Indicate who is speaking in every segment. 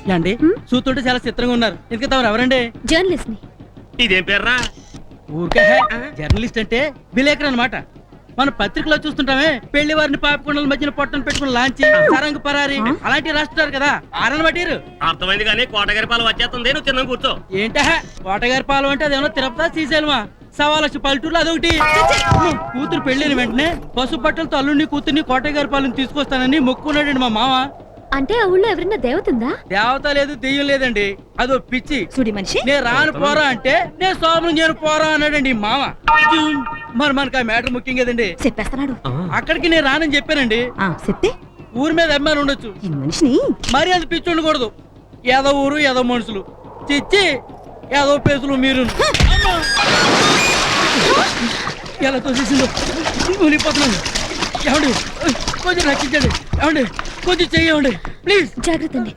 Speaker 1: అండి చూస్తుంటే చాలా చిత్రంగా ఉన్నారు. ఎందుకు తమరు ఎవరండి?
Speaker 2: జర్నలిస్ట్ ని.
Speaker 3: ఇదేం పేర్రా?
Speaker 1: ఊరికే జర్నలిస్ట్ అంటే విలేకరు అన్నమాట. మన పత్రికలో చూస్తుంటామే పెళ్లి వారిని పాపకొండల మధ్యన పొట్టను పెట్టుకుని లాంచి సరంగు పరారి అలాంటివి రాస్తున్నారు కదా. ఆరని బట్టిరు
Speaker 3: అర్థమైంది కానీ కోటగారి పాలు వచ్చేస్తుంది. నువ్వు తిన్నాం కూర్చో.
Speaker 1: ఏంటా కోటగారి పాలు అంటే అదేమో తిరుపతి శ్రీశైలమా? సవాలక్ష పల్లెటూరులో అదొకటి. కూతురు పెళ్లిన వెంటనే పసుపు బట్టలతో అల్లుడిని కూతుర్ని కోటగారి పాలను తీసుకొస్తానని మొక్కున్నాడండి మా మామ.
Speaker 2: అంటే ఆ ఊళ్ళో ఎవరైనా దేవతుందా?
Speaker 1: దేవత లేదు, దెయ్యం లేదండి. అదో పిచ్చి
Speaker 2: సుడి మనిషి.
Speaker 1: నేను రాను పోరా అంటే నేను సోమరం చేయను పోరా అన్నాడండి మామ. మరి మనకు ఆ మ్యాటర్ ముఖ్యం కదండి.
Speaker 2: చెప్పేస్తున్నాడు.
Speaker 1: అక్కడికి నేను రానని చెప్పానండి.
Speaker 2: చెప్తే
Speaker 1: ఊరి మీద అభిమానం ఉండొచ్చు,
Speaker 2: మనిషిని
Speaker 1: మరి అది పిచ్చి ఉండకూడదు. ఏదో ఊరు ఏదో మనుషులు చిచ్చి ఏదో పేసులు మీరు ఎలా తోసేసిందో ఊలిపోతున్నాను. ఏమండి కొంచెం రక్షించండి. ఏమండి కొంచెం చెయ్యండి ప్లీజ్.
Speaker 2: జాగ్రత్త అండి.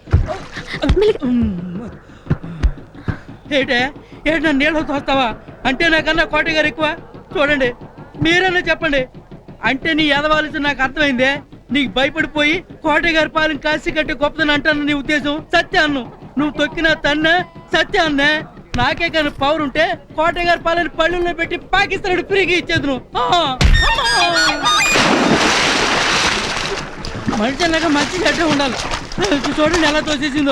Speaker 1: ఏటే ఏడు నన్ను నీళ్ళతో తోస్తావా? అంటే నాకన్నా కోటగారు ఎక్కువ? చూడండి మీరన్నా చెప్పండి. అంటే నీ ఎదవాల్సి నాకు అర్థమైందే. నీకు భయపడిపోయి కోటగారి పాలన కాసి కట్టి గొప్పదని అంటాను నీ ఉద్దేశం. సత్యాన్ను నువ్వు తొక్కిన తన్న సత్యాన్నే. నాకే కానీ పవర్ ఉంటే కోటగారి పాలన పళ్ళుల్లో పెట్టి పాకిస్తాన్ ఫ్రీగా ఇచ్చేది నువ్వు. మనిషి అన్నాక మంచి గడ్డ ఉండాలి. చూడండి ఎలా తోసేసిందో.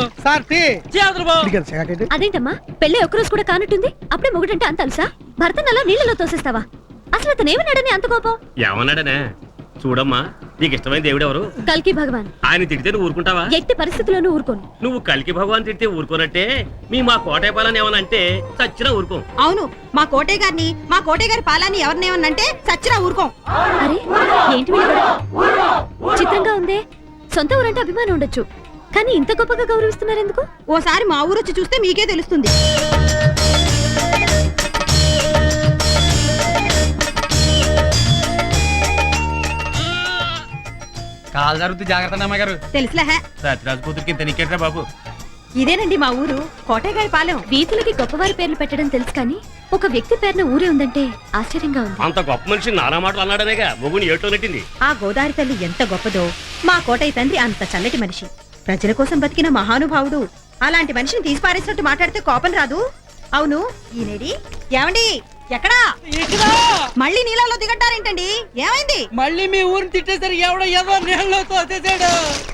Speaker 2: అదేంటమ్మా పెళ్ళి ఒక్కరోజు కూడా కానట్టుంది, అప్పుడే మొగుడంటే అంత అలుసా? భర్తను అలా నీళ్ళలో తోసేస్తావా? అసలు అతను ఏమన్నాడని అంత కోపం?
Speaker 3: ఏమన్నాడనే? చూడమ్మా, నీకు ఇష్టమైన దేవుడు ఎవరు?
Speaker 2: కల్కి భగవాన్.
Speaker 3: ఆయన తిడితే నువ్వు ఊరుకుంటావా?
Speaker 2: ఎట్టి పరిస్థితుల్లోనూ ఊరుకోను.
Speaker 3: నువ్వు కల్కి భగవాన్ తిడితే ఊరుకోనట్టే మా కోటయ్య పాలని ఏమనంటే చచ్చినా ఊరుకోం.
Speaker 4: అవును, మా కోటయ్య గారిని మా కోటయ్య గారి పాలని ఎవరినేమన్నంటే చచ్చినా ఊరుకోం.
Speaker 2: అరే ఏంటి చిత్రంగా ఉందే. సొంత ఊరంటే అభిమానం ఉండొచ్చు, కానీ ఇంత గొప్పగా గౌరవిస్తున్నారు ఎందుకు?
Speaker 4: ఓసారి మా ఊరొచ్చి చూస్తే మీకే తెలుస్తుంది.
Speaker 1: కాలు జరుగుతుంది, జాగ్రత్త అమ్మగారు.
Speaker 4: తెలుసులే.
Speaker 1: సత్యరాజు కూతురికి ఇంత నీకేట్రా బాబు.
Speaker 4: ఇదేనండి మా ఊరు కోటయ్య గారి పాలెం.
Speaker 2: వీధులకి గొప్పవారి పేర్లు పెట్టడం తెలుసు, కానీ ఒక వ్యక్తి పేరున ఊరే ఉందంటే ఆశ్చర్యంగా ఉంది.
Speaker 3: అంత గొప్ప మనిషి నానా మాటలు అన్నాడనేగా మొగుని ఏటో నెట్టింది.
Speaker 4: ఆ గోదావరి తల్లి ఎంత గొప్పదో, మా కోటయ్య తండ్రి అంత చల్లటి మనిషి, ప్రజల కోసం బతికిన మహానుభావుడు. అలాంటి మనిషిని తీసి పారేసినట్టు మాట్లాడితే కోపం రాదు? అవును ఈనేడి ఏమండి ఎక్కడా? మళ్ళీ నీళ్ళలో దిగట్టారేంటండి? ఏమైంది?
Speaker 1: మళ్ళీ మీ ఊరిని తిట్టేసరికి ఎవడో ఏదో నీళ్ళలో తోసేసాడు.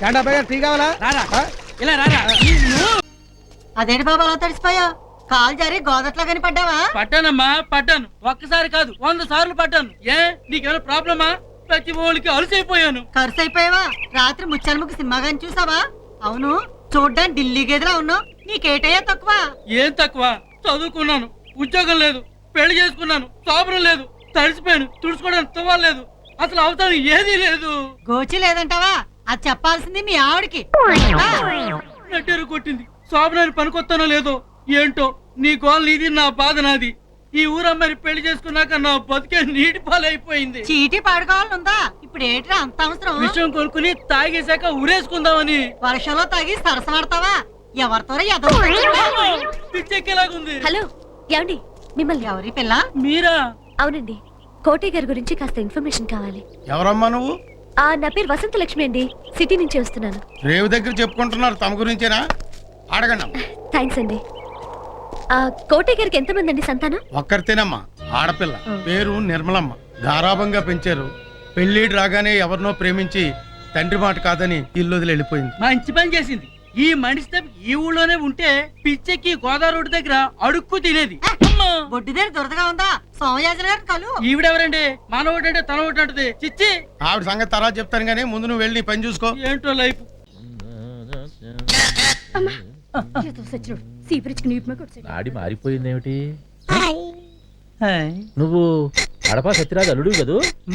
Speaker 1: ఇలా రారా.
Speaker 4: అదేంటి బాబా అలా తడిసిపోయా? కాలు జారి గోదట్లో గాని పడ్డావా?
Speaker 1: పట్టానమ్మా పట్టాను. ఒక్కసారి కాదు 100 సార్లు పట్టాను. ఏ నీకేమైనా ప్రాబ్లమా? ప్రతి ఓళ్ళకి అలసైపోయాను.
Speaker 4: ఖర్చు అయిపోయావా? రాత్రి ముచ్చాలముఖి సినిమా గాని చూసావా? అవును, చూడ్డానికి ఢిల్లీ గేదెలా ఉన్నావు. నీకేటయ్యా తక్కువ?
Speaker 1: ఏం తక్కువ? చదువుకున్నాను, ఉద్యోగం లేదు, పెళ్లి చేసుకున్నాను, సోబరం లేదు, తడిసిపోయాను, తుడుచుకోవడానికి తువ్వలేదు, అసలు అవసరం ఏదీ లేదు.
Speaker 4: గోచి లేదంటావా? అది చెప్పాల్సింది మీ ఆవిడకి.
Speaker 1: నెట్టేరు కొట్టింది. శోభనాన్ని పనికొత్తానో లేదో ఏంటో. నీ గోల్ నీది, నా బాధ నాది. ఈ ఊరమ్మని పెళ్లి చేసుకున్నాక నా బతికే నీటి పాలైపోయింది.
Speaker 4: చీటీ పాడుకోవాలనుందా? ఇప్పుడు ఏంట్రా అంత అవసరం?
Speaker 1: విషయం కొనుక్కుని తాగేశాక ఊరేసుకుందామని.
Speaker 4: వర్షంలో తాగి సరసమాడతావా? ఎవరితో
Speaker 1: పిచ్చెక్కేలాగుంది.
Speaker 2: హలో ఏమండి, మిమ్మల్ని.
Speaker 4: ఎవరి పిల్ల?
Speaker 1: మీరా?
Speaker 2: అవునండి, కోటయ్య గారి గురించి కాస్త ఇన్ఫర్మేషన్ కావాలి.
Speaker 5: ఎవరమ్మా నువ్వు?
Speaker 2: నా పేరు వసంత లక్ష్మి అండి, సిటీ నుంచి వస్తున్నాను.
Speaker 5: రేవు దగ్గర చెప్పుకుంటున్నారు, తమ గురించేనా? అడగండి.
Speaker 2: థ్యాంక్స్ అండి. కోటయ్య గారికి ఎంతమంది అండి సంతానం?
Speaker 5: ఒక్కరితేనమ్మా, ఆడపిల్ల, పేరు నిర్మలమ్మ. గారాభంగా పెంచారు. పెళ్లిడు రాగానే ఎవరినో ప్రేమించి తండ్రి మాట కాదని ఇల్లు వదిలి వెళ్ళిపోయింది.
Speaker 1: మంచి పని చేసింది. ఈ మనిషి ఈ ఊళ్ళోనే ఉంటే పిచ్చెక్కి గోదావరి రోడ్డు దగ్గర అడుక్కు తినేది.
Speaker 4: బొడ్డు దగ్గర దొరదగా ఉందా? సోమయాజన గారు కలు.
Speaker 1: ఈవిడెవరండి? మన ఒకటి అంటే తన ఒకటి అంటది. చిచ్చి
Speaker 5: ఆవిడ సంగతి తర్వాత చెప్తాను గానీ ముందు నువ్వు వెళ్ళి పని చూసుకో.
Speaker 1: ఏంటో లైఫ్.
Speaker 6: నాడి మారిపోయిందేమిటి? నువ్వు కడప సత్యరాజు అల్లుడు కదూ?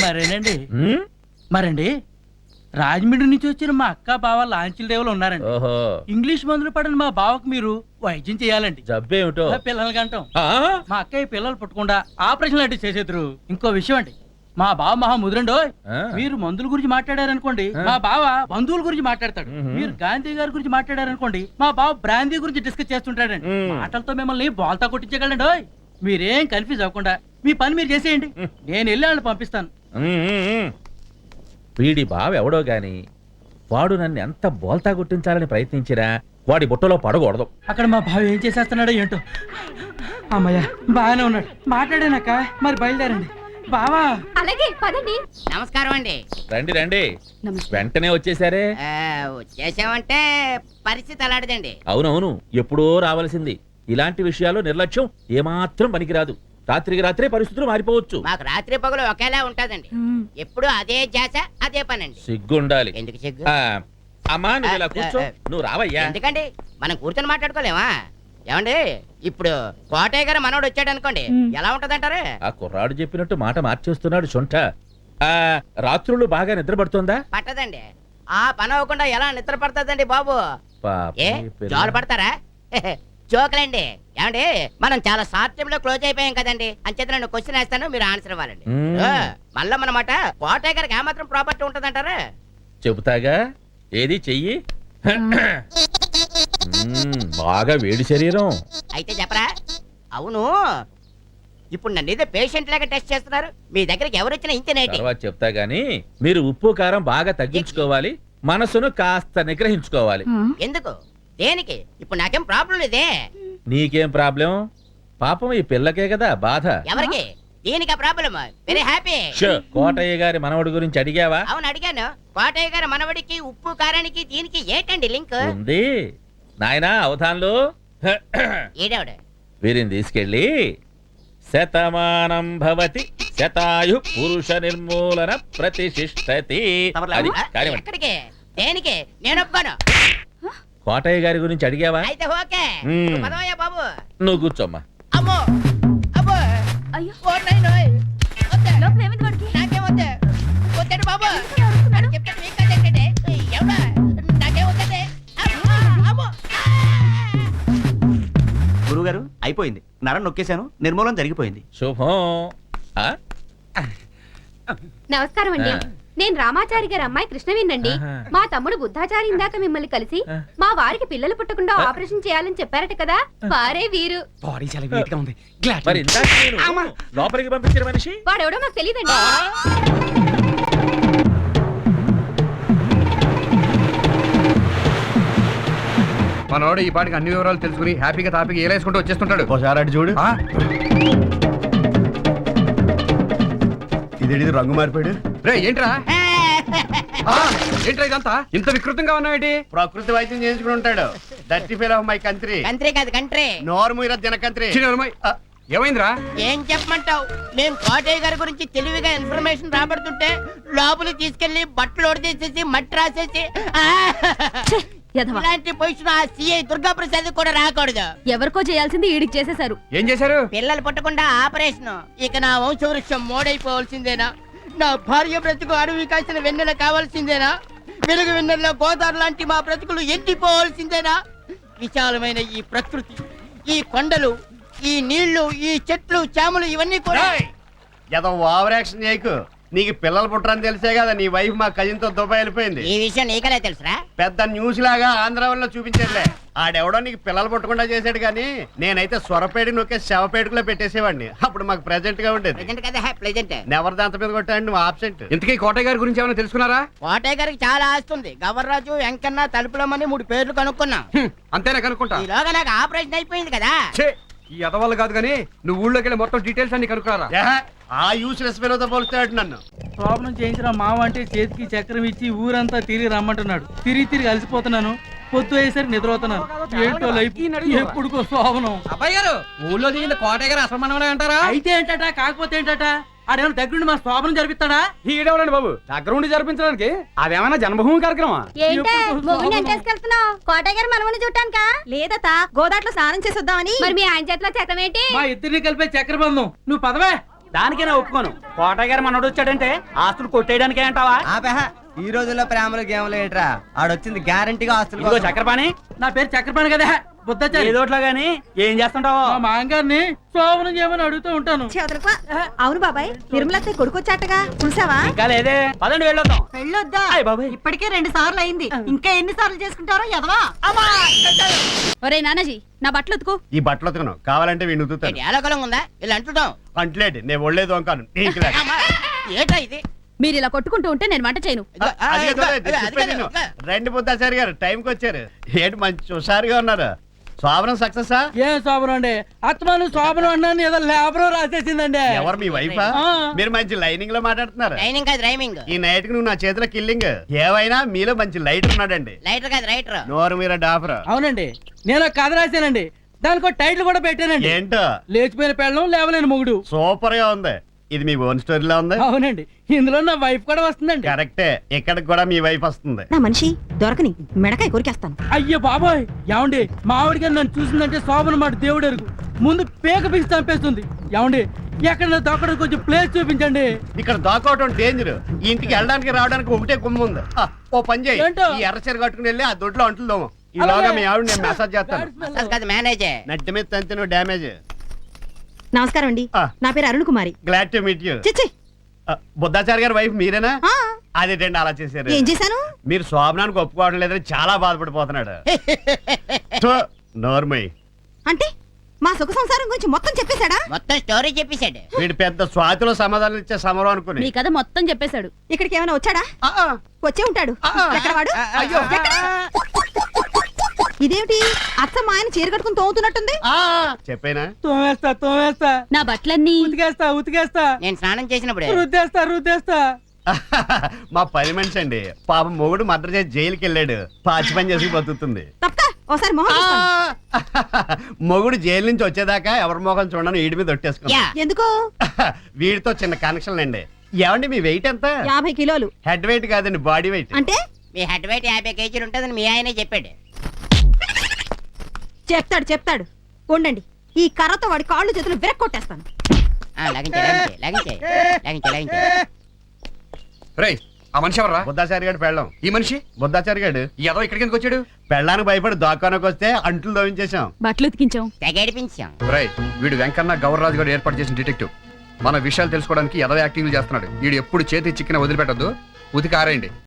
Speaker 1: మరండి రాజమండ్రి నుంచి వచ్చిన మా అక్క బావ లాంచీల రేవులు ఉన్నారండి. ఇంగ్లీష్ మందులు పడిన మా బావకు మీరు వైద్యం చేయాలండి.
Speaker 6: జబ్బేమిటో?
Speaker 1: పిల్లలు కంటాం. మా అక్కయ్య పిల్లలు పుట్టకుండా ఆపరేషన్ లాంటివి చేసేద్దరు. ఇంకో విషయం అండి, మా బావ మహా ముదురండో. మీరు మందుల గురించి మాట్లాడారనుకోండి, మా బావ బంధువుల గురించి మాట్లాడతాడు. మీరు గాంధీ గారి గురించి మాట్లాడారనుకోండి, మా బావ బ్రాందీ గురించి డిస్కస్ చేస్తుంటాడండి. మాటలతో మిమ్మల్ని బోల్తా కొట్టించగలండి. మీరేం కన్ఫ్యూజ్ అవ్వకుండా మీ పని మీరు చేసేయండి. నేను వెళ్ళి వాళ్ళని పంపిస్తాను.
Speaker 6: వీడి బావ ఎవడో గాని వాడు నన్ను ఎంత బోల్తా గుర్తించాలని ప్రయత్నించిరా వాడి బుట్టలో పడకూడదు.
Speaker 1: అక్కడ మా బావ ఏం చేసేస్తున్నాడో ఏంటో. అమ్మయ్య బాగానే ఉన్నాడు. మాట్లాడానక్క, మరి బయలుదేరండి. బావా
Speaker 2: అలాగే పదండి.
Speaker 7: నమస్కారం అండి.
Speaker 6: రండి రండి, వెంటనే వచ్చేసారే.
Speaker 7: వచ్చేసామంటే పరిస్థితి అలాంటిదండి.
Speaker 6: అవునవును, ఎప్పుడో రావాల్సింది. ఇలాంటి విషయాల్లో నిర్లక్ష్యం ఏమాత్రం పనికిరాదు. రాత్రికి రాత్రే పరిస్థితులు మారిపోవచ్చు.
Speaker 7: మాకు రాత్రి పగలు ఒకేలా ఉంటదండి. ఎప్పుడు అదే జాస అదే పనండి.
Speaker 6: సిగ్గుండాలి.
Speaker 7: ఎందుకు సిగ్గు?
Speaker 6: అమ్మా నువ్వు ఇలా కూర్చో. నువ్వు రావయ్యా.
Speaker 7: ఎందుకండి మనం కూర్చొని మాట్లాడుకోలేమా? ఏమండి ఇప్పుడు కోటయ్య గారు మనోడు వచ్చాడు అనుకోండి, ఎలా ఉంటదంటారు?
Speaker 6: ఆ కుర్రాడు చెప్పినట్టు మాట మార్చేస్తున్నాడు సొంట. రాత్రులు బాగా నిద్రపడుతుందా?
Speaker 7: పట్టదండి. ఆ పని అవ్వకుండా ఎలా నిద్ర పడుతుందండి బాబు? ఏ జోలు పడతారా? జోకులండి. ఏమండి మనం చాలా షార్ట్ టైం లో క్లోజ్ అయిపోయాం కదండి. అంచేత నేను క్వశ్చన్ వేస్తాను, మీరు ఆన్సర్ ఇవ్వాలండి. మళ్ళా మనమాట కోటయ్య గారికి ఏమాత్రం ప్రాపర్టీ ఉంటదంటారా?
Speaker 6: చెబుతాగా, ఏది చెయ్యి. బాగా వేడి శరీరం.
Speaker 7: అయితే చెప్పరా? అవును, ఇప్పుడు నన్ను ఏదో పేషెంట్ లాగా టెస్ట్ చేస్తున్నారు. మీ దగ్గరికి ఎవరు వచ్చినా ఇంతేనేటి?
Speaker 6: తర్వాత చెప్తా గానీ మీరు ఉప్పు కారం బాగా తగ్గించుకోవాలి, మనసును కాస్త నిగ్రహించుకోవాలి.
Speaker 7: ఎందుకు? దేనికి? ఇప్పుడు నాకేం ప్రాబ్లం లేదే.
Speaker 6: నీకేం ప్రాబ్లం? పాపం ఈ పిల్లకే కదా బాధ.
Speaker 7: ఎవరికి? దీనికి ప్రాబ్లం. Very happy.
Speaker 6: కోటయ్య గారి మనవడి గురించి అడిగావా?
Speaker 7: అవును అడిగాను. కోటయ్య గారి మనవడికి ఉప్పు కారానికి దీనికి ఏంటండి లింక్?
Speaker 6: ఉంది నాయనా, అవధాన్లు.
Speaker 7: ఏడావిడ
Speaker 6: వీరిని తీసుకెళ్ళి శతమానం భవతి శతాయు పురుష నిర్మూలన ప్రతిష్ఠతి. అది కార్యమండి.
Speaker 7: ఎక్కడికి? దేనికి? నేను ఒప్పుకోను.
Speaker 6: కోటయ్య గారి గురించి అడిగావా?
Speaker 7: అయితే ఓకే. పదవయ్యా బాబు.
Speaker 6: నువ్వు కూర్చోమ్మా.
Speaker 7: అమ్మో అమ్మో
Speaker 2: అయ్యో
Speaker 7: ఓ నాయనోయ్. వద్దే.
Speaker 2: లోపల ఏమైంది వాడికి?
Speaker 7: నాకేం వద్దే. వద్దండి బాబు. నేను చెప్తాను మీకు కదండి. ఎవడా? నాకేం వద్దండి. అమ్మో అమ్మో.
Speaker 8: గురుగారు అయిపోయింది, నరం నొక్కేశాను, నిర్మూలన జరిగిపోయింది.
Speaker 6: శుభం. ఆ?
Speaker 2: నమస్కారం అండి.
Speaker 6: ఆ.
Speaker 2: నేను రామాచారి గారి అమ్మాయి కృష్ణవేనండి.
Speaker 6: ఆహా.
Speaker 2: మా తమ్ముడు బుద్ధాచారి ఇందాక మిమ్మల్ని కలిసి మా వారికి పిల్లలు పుట్టకుండా ఆపరేషన్ చేయాలని చెప్పారట కదా, వారే వీరు.
Speaker 8: బాడీ చాలా వీట్ గా ఉంది.
Speaker 6: మరి ఇందాక నేను లోపలికి పంపించిన మనిషి
Speaker 2: వాడెవడో నాకు తెలియదండి.
Speaker 9: మనోడు ఈ పాటికి అన్ని వివరాలు తెలుసుకుని హ్యాపీగా తాపీగా ఏలేసుకుంటూ వచ్చేస్తుంటాడు.
Speaker 8: ఒకసారి అటు చూడు. ఇదేంటి రంగు మారిపోయాడు?
Speaker 9: రే ఏంట్రా? ఏంట్రా ఇదంతా ఇంత వికృతంగా ఉన్నావేంటి?
Speaker 5: ప్రకృతి వైద్యం చేయించుకుని ఉంటాడు. Dirty fail of my country.
Speaker 7: Country కాదు కంట్రీ.
Speaker 5: నోర్మూర జనకంత్రి.
Speaker 9: ఏమైందిరా?
Speaker 7: ఏం చెప్పమంటావు? మేము కోటయ్య గారి గురించి తెలివిగా ఇన్ఫర్మేషన్ రాబడుతుంటే లోపలికి తీసుకెళ్లి బట్టలు ఒడిచేసేసి మట్టి రాసేసి ఇలాంటి పొజిషన్ ఆ సిఐ దుర్గా ప్రసాద్ కూడా రాకూడదు.
Speaker 2: ఎవరికో చేయాల్సింది ఈడికి చేసేశారు.
Speaker 9: ఏం చేశారు?
Speaker 7: పిల్లలు పుట్టకుండా ఆపరేషన్. ఇక నా వంశవృక్షం మోడైపోవాల్సిందేనా? నా భార్య బ్రతుకు అడవి కాసిన వెన్నెల కావాల్సిందేనా? వెలుగు వెన్నెల్లో గోదావరి లాంటి మా బ్రతుకులు ఎండిపోవాల్సిందేనా? విశాలమైన ఈ ప్రకృతి, ఈ కొండలు, ఈ నీళ్లు, ఈ చెట్లు, చేమలు ఇవన్నీ కూడా
Speaker 5: ఏదో ఓవర్ యాక్షన్ చేయకు. నీకు పిల్లలు పుట్టరని తెలిసే కదా నీ వైఫ్ మా కజిన్ తో దుబాయ్ వెళ్ళిపోయింది.
Speaker 7: ఈ విషయం నీకలే తెలుసురా?
Speaker 5: పెద్ద న్యూస్ లాగా ఆంధ్రాలో చూపించేదిలే. ఆడెవడో నీకు పిల్లలు పుట్టకుండా చేసాడు కానీ నేనైతే స్వరపేడి నొక్కే శవపేటకులో పెట్టేసేవాడిని. అప్పుడు మాకు ప్రెజెంట్ గా ఉండేది.
Speaker 7: ప్రెజెంట్ కదా ప్రెజెంట్.
Speaker 5: నెవర్ దాంత మీద కొట్టాడు, నువ్వు ఆబ్సెంట్.
Speaker 9: ఇంతకీ కోటయ్య గారి గురించి ఏమైనా తెలుసుకున్నారా?
Speaker 7: కోటయ్య గారికి చాలా ఆస్తుంది. గవర్రాజు, వెంకన్న, తలుపులమని 3 పేర్లు కనుక్కున్నాం.
Speaker 9: అంతేనా కనుక్కుంటా?
Speaker 7: ఈలోగా నాకు ఆపరేషన్ అయిపోయింది కదా.
Speaker 9: ఛే, ఈ అదవాళ్ళు కాదు కానీ నువ్వు ఊళ్ళోకి వెళ్ళి మొత్తం డీటెయిల్స్ అన్ని కనుక్కున్నారా?
Speaker 5: ఆ యూస్లెస్ పిల్లతో పోలుస్తాడు నన్ను.
Speaker 1: ప్రాబ్లం చేయించిన మావ అంటే చేతికి చక్రం ఇచ్చి ఊరంతా తిరిగి రమ్మంటున్నాడు. తిరిగి అలసిపోతున్నాను. పొద్దు అయ్యేసరికి నిద్రపోతున్నాను. ఏంటో లైఫ్ ఎప్పుడుకో శోభనం.
Speaker 8: అబ్బాయి గారు, ఊళ్ళో దిగింది కోటయ్య గారు అసలు మనవడే అంటారా?
Speaker 1: అయితే ఏంటట, కాకపోతే ఏంటట? ఆడేమైనా దగ్గరుండి మా శోభనం జరిపిస్తాడా?
Speaker 9: ఈడవడండి బాబు, దగ్గర ఉండి జరిపించడానికి అదేమైనా జన్మభూమి కార్యక్రమం?
Speaker 2: కోటయ్య గారు మనమని చూడటానికా?
Speaker 4: లేదతా, గోదాట్లో స్నానం చేసి వద్దామని.
Speaker 2: మరి మీ ఆయన చేతిలో చక్రం ఏంటి?
Speaker 1: మా ఇద్దరిని కలిపే చక్రబంధం. నువ్వు పదవే.
Speaker 8: దానికే నా ఒప్పుకోను. కోటయ్య గారు మనోడు వచ్చాడంటే ఆస్తులు కొట్టేయడానికే అంటావా?
Speaker 10: ఈ రోజుల్లో ప్రేమలు గేమ్లు ఏంట్రా? ఆడొచ్చింది గ్యారంటీగా ఆస్తులు.
Speaker 8: ఇదిగో చక్రపాణి,
Speaker 1: నా పేరు చక్రపాణి కదా, బుద్ధచారి.
Speaker 8: ఏదోట్లా గానీ ఏం చేస్తుంటావో.
Speaker 1: మా మాంగారిని శోభనం చేయమని అడుగుతూ ఉంటాను.
Speaker 4: చేతులకు. అవును బాబాయ్, నిర్మలత్తే కొడుకొచ్చాటగా చూసావా?
Speaker 8: ఇంకా లేదే, పదండి వెళ్ళొద్దాం.
Speaker 4: వెళ్ళొద్దా?
Speaker 8: అయ్ బాబాయ్,
Speaker 4: ఇప్పటికే 2 సార్లు అయింది, ఇంకా ఎన్ని సార్లు చేసుకుంటారో ఎదవా.
Speaker 2: ఒరే నానాజీ, నా బట్టలు ఉతుకు.
Speaker 5: ఈ బట్టలు ఉతకను, కావాలంటే వీడిని ఉతుకుతాను.
Speaker 7: ఏలకలం ఉందా? ఇలా అంటున్నాం.
Speaker 5: అంటలేడు, నేను ఒళ్ళేదు అంకాను.
Speaker 7: ఏటా ఇది?
Speaker 2: మీరు ఇలా కొట్టుకుంటూ ఉంటే నేను వంట చేయను.
Speaker 11: రెండు బుద్ధాచారి గారు టైంకి వచ్చారు. ఏంటి మంచి హుషారుగా ఉన్నారు. శోభనం సక్సెస్.
Speaker 1: ఏం శోభనం అండి, అత్తమాను శోభనం అన్నాను ఏదో లేబర్ రాసేసిందండి.
Speaker 11: ఎవరు మీ వైఫా?
Speaker 1: ఆ.
Speaker 11: మీరు మంచి లైనింగ్ లో మాట్లాడుతున్నారు.
Speaker 7: ట్రైనింగ్ కాదు రైమింగ్.
Speaker 11: ఈ నైట్ కి నువ్వు నా చేతిలో కిల్లింగ్. ఏవైనా మీలో మంచి లైటర్ ఉన్నాడండి.
Speaker 7: లైటర్ కాదు రైటర్.
Speaker 11: నోరు మీద డాఫర్.
Speaker 1: అవునండి, నేను ఒక కథ రాశానండి, దానికి ఒక టైటిల్ కూడా పెట్టానండి.
Speaker 11: ఏంటో?
Speaker 1: లేచిపోయిన పెళ్ళం లేవలేని మొగుడు.
Speaker 11: సూపర్ గా ఉంది. ఇది మీ ఓన్ స్టోరీలా ఉంది.
Speaker 1: అవునండి, ఇందులో నా వైఫ్ కూడా వస్తుందండి.
Speaker 11: కరెక్టే, ఇక్కడికి కూడా మీ వైఫ్ వస్తుంది.
Speaker 4: నా మనిషి దొరకని మెడకాయ కొరికేస్తాను.
Speaker 1: అయ్యో బాబాయ్, ఏమండి మావిడి గారు నన్ను చూసిందంటే శోభన మాట దేవుడు ఎరుగు, ముందు పేక పిసి చంపేస్తుంది. ఏమండి ఎక్కడ దొక్కడానికి కొంచెం ప్లేస్ చూపించండి.
Speaker 11: ఇక్కడ దాకోవటం డేంజర్. ఈ ఇంటికి వెళ్ళడానికి రావడానికి ఒకటే గుమ్మ ఉంది. ఓ పని చేయి,
Speaker 1: ఏంటో?
Speaker 11: ఈ ఎర్రచీర కట్టుకుని వెళ్ళి ఆ దొడ్లో అంటులు దోమ. ఈలోగా మీ ఆవిడ నేను మెసేజ్ చేస్తాను.
Speaker 7: అసలు కాదు మేనేజే.
Speaker 11: నట్టి మీద తంతి నువ్వు డ్యామేజ్.
Speaker 4: నమస్కారం అండి,
Speaker 11: ఆ.
Speaker 4: నా పేరు Arun Kumari.
Speaker 11: Glad to meet you.
Speaker 4: చిచ్చి
Speaker 11: బుద్ధాచారి గారి వైఫ్ మీరేనా?
Speaker 4: ఆ,
Speaker 11: అదేంటండి అలా చేశారు?
Speaker 4: ఏం చేశాను?
Speaker 11: మీరు శోభనానికి ఒప్పుకోవడం లేదని చాలా బాధపడిపోతున్నాడు. నోర్మయ్,
Speaker 4: అంటే మా సుఖ సంసారం గురించి మొత్తం చెప్పేశాడా?
Speaker 7: మొత్తం స్టోరీ చెప్పేశాడు.
Speaker 11: వీడు పెద్ద స్వాతిలో సమాధానం ఇచ్చే సమరం అనుకుని.
Speaker 2: మీ కథ మొత్తం చెప్పేశాడు.
Speaker 4: ఇక్కడికి ఏమైనా వచ్చాడా?
Speaker 11: ఆ, ఆ,
Speaker 4: వచ్చే ఉంటాడు.
Speaker 11: ఆ, ఆ.
Speaker 4: ఎక్కడ వాడు?
Speaker 11: అయ్యో.
Speaker 4: ఎక్కడ? ఇదేమిటి అచ్చ మా ఆయన చీర కట్టుకుని తోముతున్నట్టుంది?
Speaker 11: ఆ, చెప్పేనా?
Speaker 1: తోమేస్తా
Speaker 2: నా బట్టలన్నీ
Speaker 1: ఉతికేస్తా
Speaker 7: నేను స్నానం చేసినప్పుడు
Speaker 1: రుద్దేస్తా.
Speaker 11: మా పని మనిషి అండి. పాపం మొగుడు మర్డర్ చేసి జైలుకి వెళ్ళాడు. పాచి పని చేసి బతుకుతుంది.
Speaker 4: తప్ప ఒకసారి మొహం
Speaker 11: ఆ,
Speaker 4: చూస్తాను.
Speaker 11: మొగుడు జైలు నుంచి వచ్చేదాకా ఎవరి మొఖం చూడను ఈడి మీద ఒట్టేసుకున్నా.
Speaker 7: యా.
Speaker 4: ఎందుకు?
Speaker 11: వీడితో చిన్న కనెక్షన్ అండి. ఏమండి మీ వెయిట్ ఎంత?
Speaker 4: 50 కిలోలు.
Speaker 11: హెడ్ వెయిట్ కాదండి, బాడీ వెయిట్.
Speaker 4: అంటే
Speaker 7: మీ హెడ్ వెయిట్ 50 కేజీలు ఉంటుందని మీ ఆయనే చెప్పాడు.
Speaker 4: చెప్తాడు ఉండండి, ఈ కర్రతో వాడి కాళ్ళు చేతులు విరక్కొట్టేస్తాను.
Speaker 7: లాగించే.
Speaker 9: రేయ్, ఆ మనిషి ఎవర్రా?
Speaker 11: బుద్ధాచారి గారు పెళ్ళం.
Speaker 9: ఈ మనిషి
Speaker 11: బుద్ధాచారి గారు
Speaker 9: ఏదో ఇక్కడికి ఎందుకు వచ్చాడు?
Speaker 11: పెళ్ళానికి భయపడి దాక్కోనకు వస్తే అంట్లు దోవించేశాం.
Speaker 2: బట్టలు ఉతికించాం.
Speaker 7: తెగేడిపించాం.
Speaker 9: రేయ్, వీడు వెంకన్న గౌరరాజు గారు ఏర్పాటు చేసిన డిటెక్టివ్. మన విషయాలు తెలుసుకోవడానికి ఎదవ యాక్టింగ్లు చేస్తున్నాడు. వీడు ఎప్పుడు చేతి చిక్కిన వదిలిపెట్టద్దు, ఉతికి ఆరేయండి.